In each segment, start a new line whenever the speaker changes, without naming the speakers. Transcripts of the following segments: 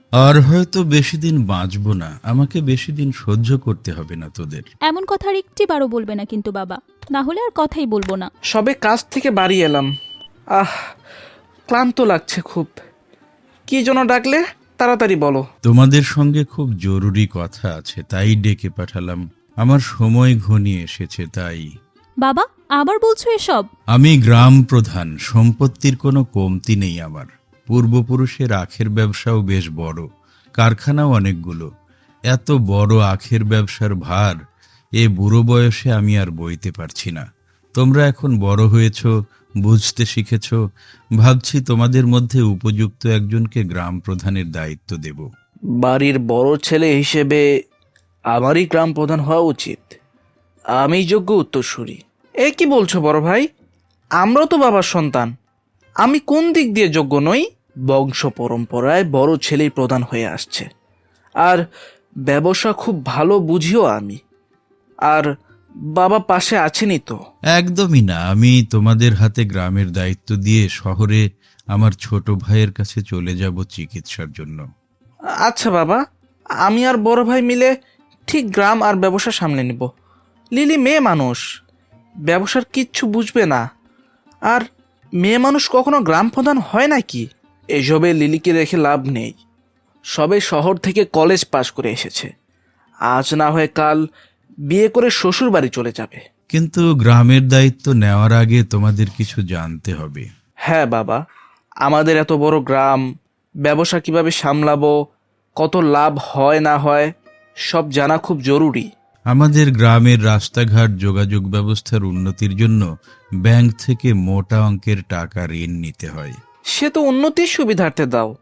আর হয়তো বেশি দিন বাঁচবো না, আমাকে বেশি দিন সহ্য করতে হবে না তোদের।
এমন কথা আর একটিবারও বলবে না কিন্তু বাবা, না হলে আর কথাই বলবো না।
সবে কাজ থেকে বাড়ি এলাম। আহ, ক্লান্ত লাগছে খুব। কি জন্য ডাকলে? তাড়াতাড়ি বলো।
তোমাদের সঙ্গে খুব জরুরি কথা আছে, তাই ডেকে পাঠালাম। আমার সময় ঘনিয়ে এসেছে তাই।
বাবা, আবার বলছো এসব?
আমি গ্রাম প্রধান, সম্পত্তির কোনো কমতি নেই আমার। পূর্বপুরুষের আখের ব্যবসাও বেশ বড়, কারখানাও অনেকগুলো। এত বড় আখের ব্যবসার ভার এ বুড়ো বয়সে আমি আর বইতে পারছি না। তোমরা এখন বড় হয়েছ, বুঝতে শিখেছ, ভাবছি তোমাদের মধ্যে উপযুক্ত একজনকে গ্রাম প্রধানের দায়িত্ব দেব।
বাড়ির বড় ছেলে হিসেবে আমারই গ্রাম প্রধান হওয়া উচিত। আমি যোগ্য উত্তরসূরি। এ কি বলছো বড় ভাই? আমরাও তো বাবার সন্তান। আমি কোন দিক দিয়ে যোগ্য নই? বংশ পরম্পরায় বড় ছেলেই প্রধান হয়ে আসছে। আর ব্যবসা খুব ভালো বুঝিও আমি। আর বাবা পাশে আছেনই তো।
একদমই না, আমি তোমাদের হাতে গ্রামের দায়িত্ব দিয়ে শহরে আমার ছোট ভাইয়ের কাছে চলে যাব চিকিৎসার জন্য।
আচ্ছা বাবা, আমি আর বড় ভাই মিলে ঠিক গ্রাম আর ব্যবসা সামলে নেব। লিলি মেয়ে মানুষ, ব্যবসার কিচ্ছু বুঝবে না। আর মেয়ে মানুষ কখনো গ্রাম প্রধান হয় নাকি? এসবে লিলিকে রেখে লাভ নেই। সবে শহর থেকে কলেজ পাশ করে এসেছে। আজ না হয়ে কাল বিয়ে করে শ্বশুর বাড়ি চলে যাবে।
কিন্তু গ্রামের দায়িত্ব নেওয়ার আগে তোমাদের কিছু জানতে হবে।
হ্যাঁ বাবা, আমাদের এত বড় গ্রাম, ব্যবসা কিভাবে সামলাবো, কত লাভ হয় না হয়, সব জানা খুব জরুরি।
আমাদের গ্রামের রাস্তাঘাট, যোগাযোগ ব্যবস্থার উন্নতির জন্য ব্যাংক থেকে মোটা অঙ্কের টাকা ঋণ নিতে হয়।
সে তো উন্নতির সুবিধার্থে দাও।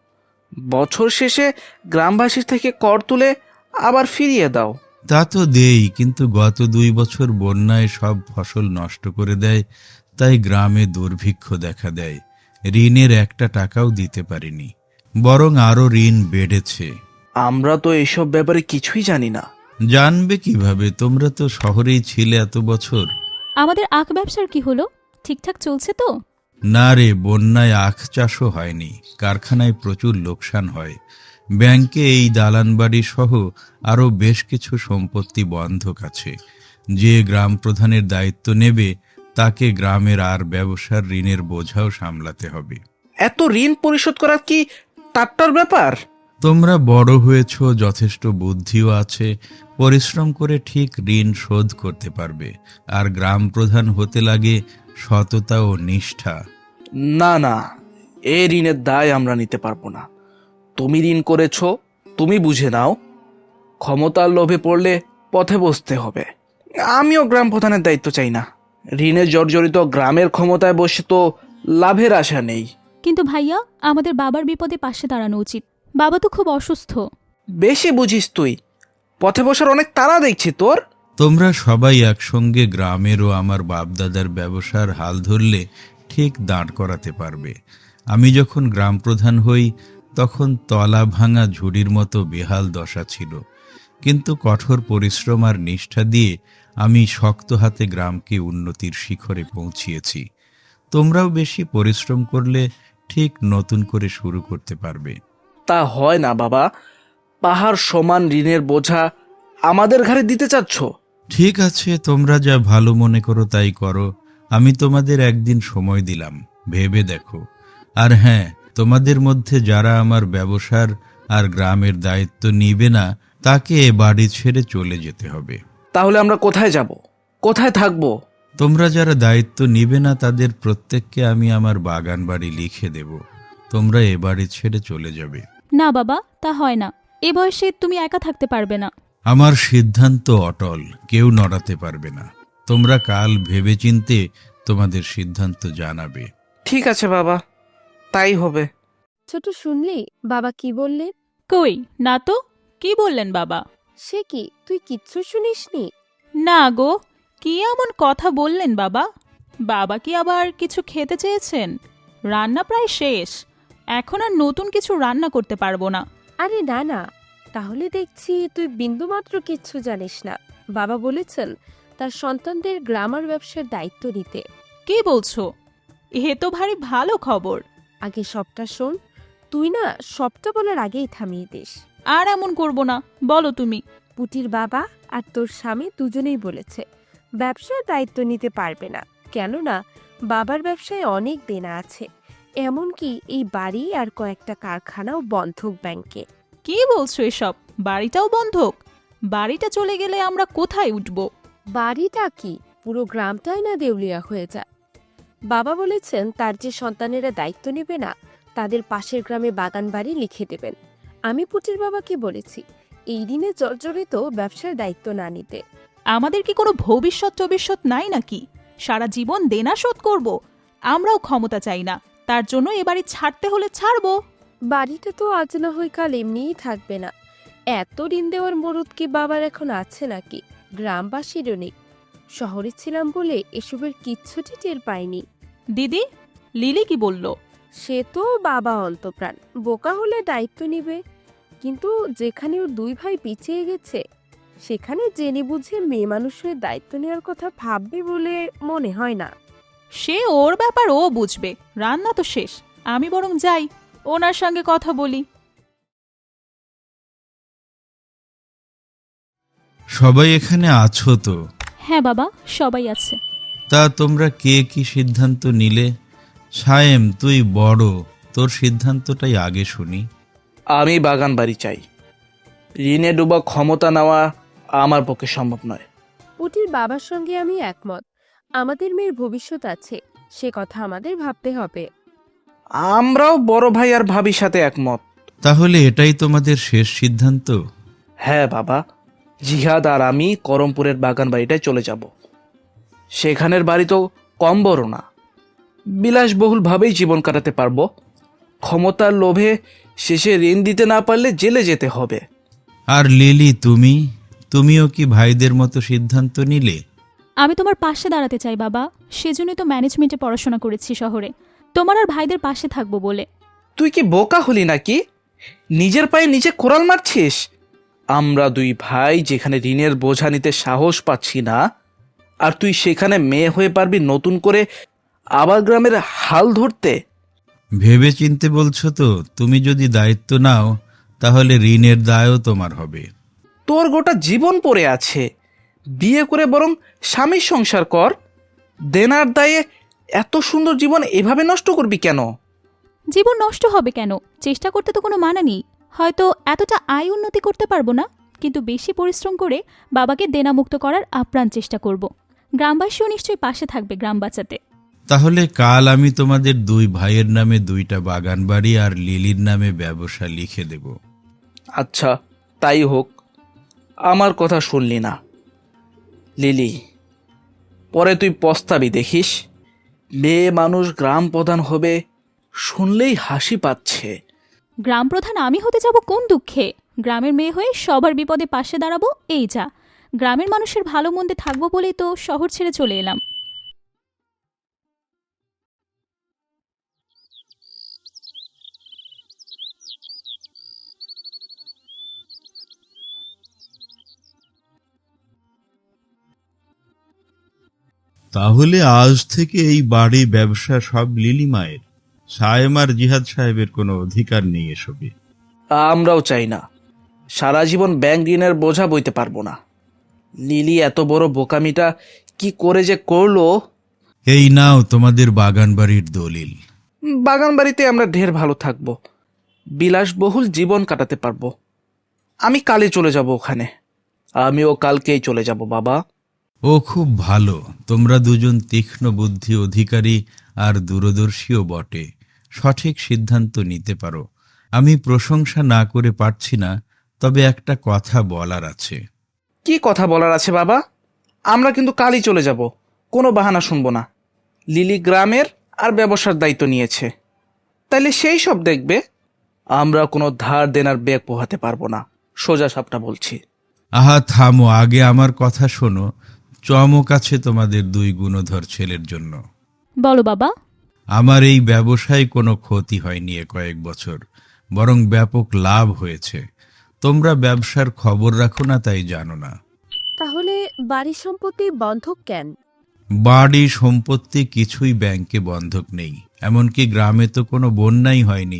বছর শেষে গ্রামবাসীর থেকে কর তুলে আবার ফিরিয়ে দাও।
তা তো দেই, কিন্তু গত 2 বছর বন্যায় সব ফসল নষ্ট করে দেয়, তাই গ্রামে দুর্ভিক্ষ দেখা দেয়। ঋণের একটা টাকাও দিতে পারিনি, বরং আরো ঋণ বেড়েছে।
আমরা তো এইসব ব্যাপারে কিছুই জানি না।
জানবে কিভাবে? তোমরা তো শহরেই ছিলে এত বছর।
আমাদের আখ ব্যবসার কি হলো? ঠিকঠাক চলছে তো?
না রে, বন্যায় আখ চাষও হয়নি, কারখানায় প্রচুর লোকসান হয়। ব্যাংকে এই দালান বাড়ি সহ আরও বেশ কিছু সম্পত্তি বন্ধক আছে। যে গ্রাম প্রধানের দায়িত্ব নেবে তাকে গ্রামের আর ব্যবসার ঋণের বোঝাও সামলাতে হবে।
এত ঋণ পরিশোধ করা কি টাট্টার ব্যাপার?
তোমরা বড় হয়েছ, যথেষ্ট বুদ্ধিও আছে, পরিশ্রম করে ঠিক ঋণ শোধ করতে পারবে। আর গ্রাম প্রধান হতে লাগে সততা ও নিষ্ঠা।
না না, এ ঋণের দায় আমরা নিতে পারবো না। তুমি ঋণ করেছ, তুমি বুঝে নাও। ক্ষমতার লোভে পড়লে পথে বসতে হবে। আমিও গ্রাম প্রধানের দায়িত্ব চাই না। ঋণে জর্জরিত গ্রামের ক্ষমতায় বসে তো লাভের আশা নেই।
কিন্তু ভাইয়া, আমাদের বাবার বিপদে পাশে দাঁড়ানো উচিত। বাবা তো খুব অসুস্থ।
বেশি বুঝিস তুই। পথে বসার অনেক তাড়া দেখছি তোর।
তোমরা সবাই একসঙ্গে গ্রামের ও আমার বাপদাদার ব্যবসার হাল ধরলে ঠিক দাঁড় করাতে পারবে। আমি যখন গ্রাম প্রধান হই তখন তলা ভাঙা ঝুড়ির মতো বেহাল দশা ছিল, কিন্তু কঠোর পরিশ্রম আর নিষ্ঠা দিয়ে আমি শক্ত হাতে গ্রামকে উন্নতির শিখরে পৌঁছিয়েছি। তোমরাও বেশি পরিশ্রম করলে ঠিক নতুন করে শুরু করতে পারবে।
তা হয় না বাবা। পাহাড় সমান ঋণের বোঝা আমাদের ঘাড়ে দিতে চাচ্ছ?
ঠিক আছে, তোমরা যা ভালো মনে করো তাই করো। আমি তোমাদের একদিন সময় দিলাম, ভেবে দেখো। আর হ্যাঁ, তোমাদের মধ্যে যারা আমার ব্যবসার আর গ্রামের দায়িত্ব নিবে না তাকে এ বাড়ি ছেড়ে চলে যেতে হবে।
তাহলে আমরা কোথায় যাব, কোথায় থাকবো?
তোমরা যারা দায়িত্ব নিবে না তাদের প্রত্যেককে আমি আমার বাগান বাড়ি লিখে দেব। তোমরা এ বাড়ি ছেড়ে চলে যাবে।
না বাবা, তা হয় না। এ বয়সে তুমি একা থাকতে পারবে না।
আমার সিদ্ধান্ত অটল, কেউ নড়াতে পারবে না। তোমরা কাল ভেবেচিন্তে তোমাদের সিদ্ধান্ত জানাবে।
ঠিক আছে বাবা, তাই হবে।
ছোট, শুনলি বাবা কি বললেন?
কই না তো, কি বললেন বাবা?
সে কি, তুই কিচ্ছু শুনিসনি?
না গো, কি এমন কথা বললেন বাবা? বাবা কি আবার কিছু খেতে চেয়েছেন? রান্না প্রায় শেষ, এখন আর নতুন কিছু রান্না করতে পারবো না।
আরে না না, তাহলে দেখছি তুই বিন্দুমাত্র কিচ্ছু জানিস না। বাবা বলেছেন তার সন্তানদের গ্রামার ব্যবসার দায়িত্ব নিতে।
কি বলছো? এ তো ভারী ভালো খবর।
আগে সবটা শোন। তুই না সবটা বলার আগেই থামিয়ে দিস।
আর এমন করব না, বলো তুমি।
পুটির বাবা আর তোর স্বামী দুজনেই বলেছে ব্যবসার দায়িত্ব নিতে পারবে না, কেননা বাবার ব্যবসায় অনেক দেনা আছে, এমনকি এই বাড়ি আর কয়েকটা কারখানাও বন্ধক ব্যাংকে।
কি বলছো এসব? বাড়িটাও বন্ধক? বাড়িটা চলে গেলে আমরা কোথায় উঠব?
বাড়িটা কি, পুরো গ্রামটাই না দেউলিয়া হয়ে যায়। বাবা বলেছেন তার যে সন্তানেরা দায়িত্ব নেবে না তাদের পাশের গ্রামে বাগান বাড়ি লিখে দেবেন। আমি পুটির বাবাকে বলেছি এই ঋণে জর্জরিত ব্যবসার দায়িত্ব না নিতে।
আমাদের কি কোনো ভবিষ্যৎ নাই নাকি? সারা জীবন দেনা শোধ করব? আমরাও ক্ষমতা চাই না, তার জন্য এ বাড়ি ছাড়তে হলে ছাড়বো।
বাড়িটা তো আজ না হয় কাল এমনিই থাকবে না। এত ঋণ দেওয়ার মরুদ কি বাবার এখন আছে নাকি? গ্রামবাসীরও নেই। শহরে ছিলাম বলে এসবের কিচ্ছুটি টের পাইনি।
দিদি, লিলি কি বলল?
সে তো বাবা অন্তপ্রাণ, বোকা হলে দায়িত্ব নিবে, কিন্তু যেখানে ওর দুই ভাই পিছিয়ে গেছে সেখানে জেনে বুঝে মেয়ে মানুষের দায়িত্ব নেওয়ার কথা ভাববে বলে মনে হয় না।
সে ওর ব্যাপার, ও বুঝবে। রান্না তো শেষ, আমি বরং যাই, ওনার সঙ্গে কথা বলি।
সবাই এখানে আছো তো?
হ্যাঁ বাবা, সবাই আছে।
তা তোমরা কে কি সিদ্ধান্ত নিলে? সায়েম, তুই বড়, তোর সিদ্ধান্তটাই আগে শুনি।
আমি বাগান বাড়ি চাই। ঋণে ডুবা ক্ষমতা নেওয়া আমার পক্ষে সম্ভব নয়।
পুটির বাবার সঙ্গে আমি একমত। আমাদের মেয়ের ভবিষ্যৎ আছে, সে কথা আমাদের ভাবতে হবে।
আমরাও বড় ভাই আর ভাবির সাথে একমত।
তাহলে এটাই তোমাদের শেষ সিদ্ধান্ত?
হ্যাঁ বাবা, জিহাদ আর আমি করমপুরের বাগান বাড়িটায় চলে যাব। সেখানের বাড়ি তো কম বড় না, বিলাসবহুলভাবেই জীবন কাটাতে পারবো। ক্ষমতার লোভে শেষে ঋণ দিতে না পারলে জেলে যেতে হবে।
আর লিলি, তুমিও কি ভাইদের মতো সিদ্ধান্ত নিলে?
আমি তোমার পাশে দাঁড়াতে চাই বাবা, সেজন্যই তো ম্যানেজমেন্টে পড়াশোনা করেছি শহরে, তোমার আর ভাইদের পাশে থাকবো বলে।
তুই কি বোকা হলি নাকি? নিজের পায়ে নিজে কোরাল মারছিস। আমরা দুই ভাই যেখানে ঋণের বোঝা নিতে সাহস পাচ্ছি না, আর তুই সেখানে মেয়ে হয়ে পারবি নতুন করে আবার গ্রামের হাল ধরতে?
ভেবে চিনতে বলছো তো? তুমি যদি দায়িত্ব নাও তাহলে ঋণের দায়ও তোমার হবে।
তোর গোটা জীবন পড়ে আছে, বিয়ে করে বরং স্বামীর সংসার কর। দেনার দায়ে এত সুন্দর জীবন এভাবে নষ্ট করবি কেন?
জীবন নষ্ট হবে কেন? চেষ্টা করতে তো কোনো মানা নেই। হয়তো এতটা আয় উন্নতি করতে পারবো না, কিন্তু বেশি পরিশ্রম করে বাবাকে দেনামুক্ত করার আপ্রাণ চেষ্টা করব। গ্রামবাসীও নিশ্চয়ই পাশে থাকবে গ্রাম বাঁচাতে।
তাহলে কাল আমি তোমাদের দুই ভাইয়ের নামে 2টা বাগান বাড়ি আর লিলির নামে ব্যবসা লিখে দেব।
আচ্ছা, তাই হোক। আমার কথা শুনলি না লিলি, পরে তুই পস্তাবি দেখিস। মেয়ে মানুষ গ্রাম প্রধান হবে শুনলেই হাসি পাচ্ছে।
গ্রাম প্রধান আমি হতে যাব কোন দুঃখে? গ্রামের মেয়ে হয়ে সবার বিপদে পাশে দাঁড়াবো, এই যা। গ্রামের মানুষের ভালো মন্দে থাকবো বলেই তো শহর ছেড়ে চলে এলাম।
তাহলে আজ থেকে এই বাড়ি ব্যবসা সব লিলি মায়ের। সায়েম আর জিহাদ সাহেবের কোনো অধিকার নেই এসবে।
আমরাও চাই না। সারা জীবন ব্যাংক ঋণের বোঝা বইতে পারবো না। লিলি এত বড় বোকামিটা কি করে যে করলো।
এই নাও তোমাদের বাগান বাড়ির দলিল।
বাগান বাড়িতে আমরা ঢের ভালো থাকবো, বিলাসবহুল জীবন কাটাতে পারবো। আমি কালে চলে যাব ওখানে। আমিও কালকেই চলে যাব বাবা।
ও খুব ভালো। তোমরা দুজন তীক্ষ্ণ বুদ্ধি অধিকারী আর দূরদর্শীও বটে, সঠিক সিদ্ধান্ত নিতে পারো। আমি প্রশংসা না করে পারছি না, তবে একটা কথা বলার আছে।
কি কথা বলার আছে বাবা? আমরা কিন্তু কালই চলে যাব, কোনো বাহানা শুনবো না। লিলি গ্রামের আর ব্যবসার দায়িত্ব নিয়েছে, তাইলে সেই সব দেখবে। আমরা কোনো ধার দেনার ব্যাগ পোহাতে পারবো না, সোজা সাপটা বলছি।
আহা থামো, আগে আমার কথা শোনো। চমক আছে তোমাদের দুই গুণধর ছেলের জন্য।
বলো বাবা।
আমার এই ব্যবসায় কোনো ক্ষতি হয়নি কয়েক বছর, বরং ব্যাপক লাভ হয়েছে। তোমরা ব্যবসার খবর রাখো না, তাই জানো না।
তাহলে বাড়ি সম্পত্তি বন্ধক কেন?
বাড়ি সম্পত্তি কিছুই ব্যাংকে বন্ধক নেই, এমনকি গ্রামে তো কোনো বন্যাই হয়নি,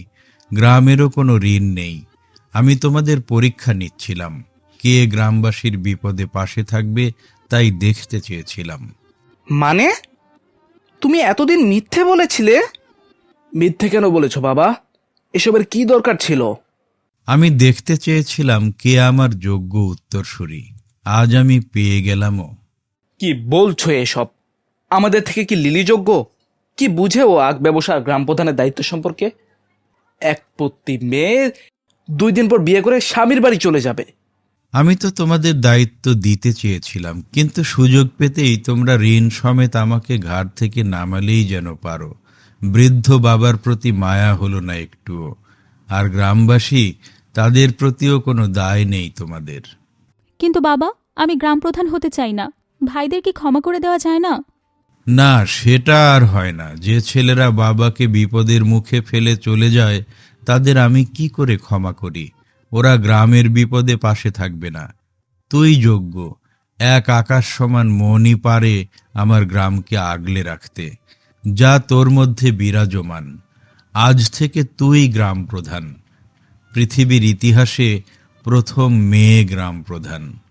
গ্রামেরও কোনো ঋণ নেই। আমি তোমাদের পরীক্ষা নিচ্ছিলাম, কে গ্রামবাসীর বিপদে পাশে থাকবে তাই দেখতে চেয়েছিলাম।
মানে তুমি এতদিন মিথ্যে বলেছিলে? মিথ্যে কেন বলেছো বাবা? এসবের কি দরকার ছিল?
আমি দেখতে চেয়েছিলাম কে আমার যোগ্য উত্তরসূরি। আজ আমি পেয়ে গেলামও।
কি বলছো এসব? আমাদের থেকে কি লিলি যোগ্য? কি বুঝে ও আখ ব্যবসা আর গ্রাম প্রধানের দায়িত্ব সম্পর্কে? এক পত্নী মেয়ে 2 দিন পর বিয়ে করে স্বামীর বাড়ি চলে যাবে।
আমি তো তোমাদের দায়িত্ব দিতে চেয়েছিলাম, কিন্তু সুযোগ পেতেই তোমরা ঋণ সমেত আমাকে ঘাট থেকে নামালেই যেন পারো। বৃদ্ধ বাবার প্রতি মায়া হলো না একটুও। আর গ্রামবাসী, তাদের প্রতিও কোনো দায় নেই তোমাদের।
কিন্তু বাবা, আমি গ্রাম প্রধান হতে চাই না। ভাইদের কি ক্ষমা করে দেওয়া যায় না?
না, সেটা আর হয় না। যে ছেলেরা বাবাকে বিপদের মুখে ফেলে চলে যায়, তাদের আমি কি করে ক্ষমা করি? ওরা গ্রামের বিপদে পাশে থাকবে না। তুই যোগ্য। এক আকাশ সমান মনই পারে আমার গ্রামকে আগলে রাখতে, যা তোর মধ্যে বিরাজমান। আজ থেকে তুই গ্রাম প্রধান, পৃথিবীর ইতিহাসে প্রথম মেয়ে গ্রাম প্রধান।